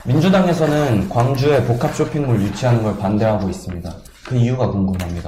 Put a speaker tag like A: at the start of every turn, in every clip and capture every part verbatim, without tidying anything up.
A: 민주당에서는 광주에 복합 쇼핑몰 유치하는 걸 반대하고 있습니다. 그 이유가 궁금합니다.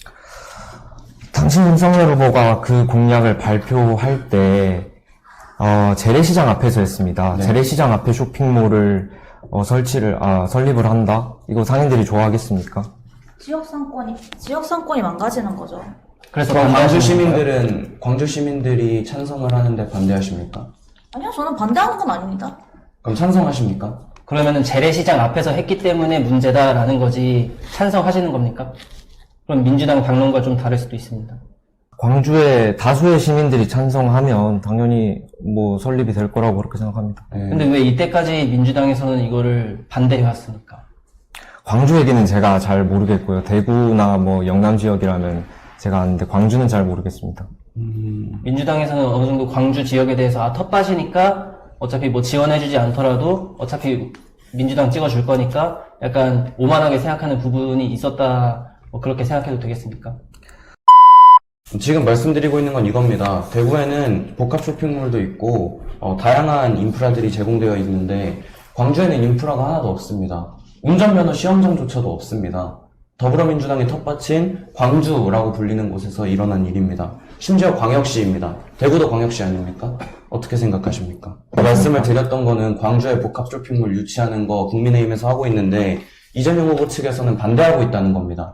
B: 당신 윤석열 후보가 그 공약을 발표할 때 어, 재래시장 앞에서 했습니다.
A: 네.
B: 재래시장 앞에 쇼핑몰을 어, 설치를 아, 설립을 한다? 이거 상인들이 좋아하겠습니까?
C: 지역 상권이 지역 상권이 망가지는 거죠.
A: 그래서 광주 시민들은 광주 시민들이 찬성을 하는데 반대하십니까?
C: 아니요, 저는 반대하는 건 아닙니다.
A: 그럼 찬성하십니까?
D: 그러면은 재래시장 앞에서 했기 때문에 문제다라는 거지 찬성하시는 겁니까? 그럼 민주당 당론과 좀 다를 수도 있습니다.
B: 광주의 다수의 시민들이 찬성하면 당연히 뭐 설립이 될 거라고 그렇게 생각합니다.
A: 네.
D: 근데 왜 이때까지 민주당에서는 이거를 반대해 왔습니까?
B: 광주 얘기는 제가 잘 모르겠고요. 대구나 뭐 영남 지역이라면 제가 아는데 광주는 잘 모르겠습니다.
A: 음...
D: 민주당에서는 어느 정도 광주 지역에 대해서 아 텃밭이니까 어차피 뭐 지원해주지 않더라도 어차피 민주당 찍어줄 거니까 약간 오만하게 생각하는 부분이 있었다 뭐 그렇게 생각해도 되겠습니까?
A: 지금 말씀드리고 있는 건 이겁니다. 대구에는 복합 쇼핑몰도 있고 어, 다양한 인프라들이 제공되어 있는데 광주에는 인프라가 하나도 없습니다. 운전면허 시험장조차도 없습니다. 더불어민주당의 텃밭인 광주라고 불리는 곳에서 일어난 일입니다. 심지어 광역시입니다. 대구도 광역시 아닙니까? 어떻게 생각하십니까? 말씀을 드렸던 거는 광주에 복합 쇼핑몰 유치하는 거 국민의힘에서 하고 있는데 이재명 후보 측에서는 반대하고 있다는 겁니다.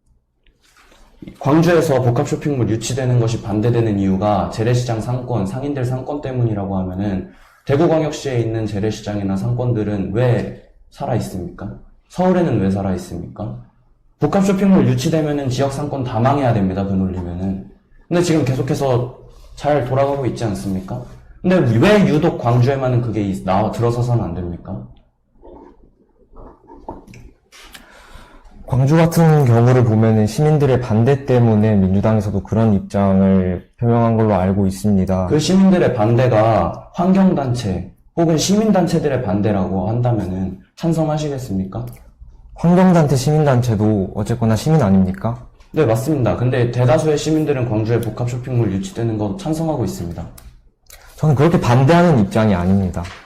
A: 광주에서 복합 쇼핑몰 유치되는 것이 반대되는 이유가 재래시장 상권, 상인들 상권 때문이라고 하면은 대구광역시에 있는 재래시장이나 상권들은 왜 살아있습니까? 서울에는 왜 살아있습니까? 복합 쇼핑몰 유치되면은 지역 상권 다 망해야 됩니다, 그 논리면은. 근데 지금 계속해서 잘 돌아가고 있지 않습니까? 근데 왜 유독 광주에만은 그게 나와 들어서서는 안 됩니까?
B: 광주 같은 경우를 보면은 시민들의 반대 때문에 민주당에서도 그런 입장을 표명한 걸로 알고 있습니다.
A: 그 시민들의 반대가 환경단체 혹은 시민단체들의 반대라고 한다면은 찬성하시겠습니까?
B: 환경단체, 시민단체도 어쨌거나 시민 아닙니까?
A: 네, 맞습니다. 근데 대다수의 시민들은 광주에 복합 쇼핑몰 유치되는 거 찬성하고 있습니다.
B: 저는 그렇게 반대하는 입장이 아닙니다.